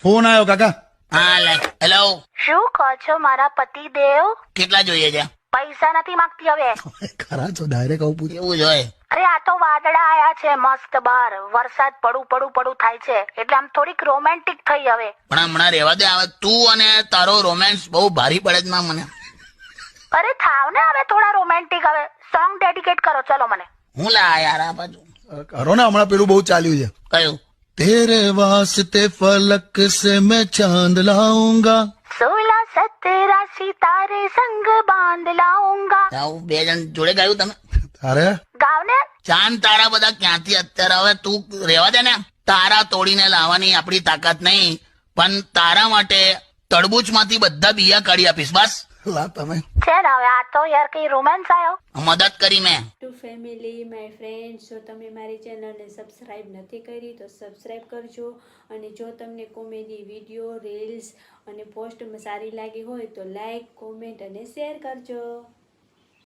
Phone આવ્યો કાકા. હા લે. હેલો. શું કહો છો મારા પતિદેવ? કેટલા જોઈએ છે? પૈસા નથી માંગતી હવે. ખરા છો ડાયરેક્ટ આવું પૂછે. એવું જ હોય. અરે આ તો વાદળા આયા છે મસ્ત બહાર, વરસાદ પડું થાય છે એટલે આમ થોડીક રોમેન્ટિક થઈ હવે. પણ હમણાં રહેવા દે. હવે તું અને તારો રોમેન્સ બહુ ભારી પડે છે ના મને. અરે થાવ ને હવે થોડા રોમેન્ટિક. હવે સોંગ ડેડિકેટ કરો ચલો મને. હું લા યાર આ બાજુ કરો ને, હમણાં પેલું બહુ ચાલ્યું છે. કયું? તેરે વાસ્તે ફલક સે મેં ચાંદ લાઉંગા. 16 17 સિતારે સંગ બાંધ લાऊंगा. આવું બે જણ જોડે ગાયું તમે? તારે ગાવ ને. ચાંદ તારા બધા ક્યાંથી અત્યારે? હવે તું રહેવા દે ને. તારા તોડીને લાવવાની આપણી તાકાત નહીં, પણ તારા માટે તડબૂચમાંથી બધા બિયા કાઢી આપીશ. બસ લા તમે છે ને હવે આ તો યાર કઈ રોમેન્સ આવ્યો. મદદ કરી મેં. ટુ ફેમિલી માય ફ્રેન્ડ્સ, જો તમે મારી ચેનલને સબસ્ક્રાઈબ નથી કરી તો સબસ્ક્રાઈબ કરજો. અને જો તમને કોમેડી વિડીયો, રીલ્સ અને પોસ્ટ સારી લાગી હોય તો લાઈક, કોમેન્ટ અને શેર કરજો.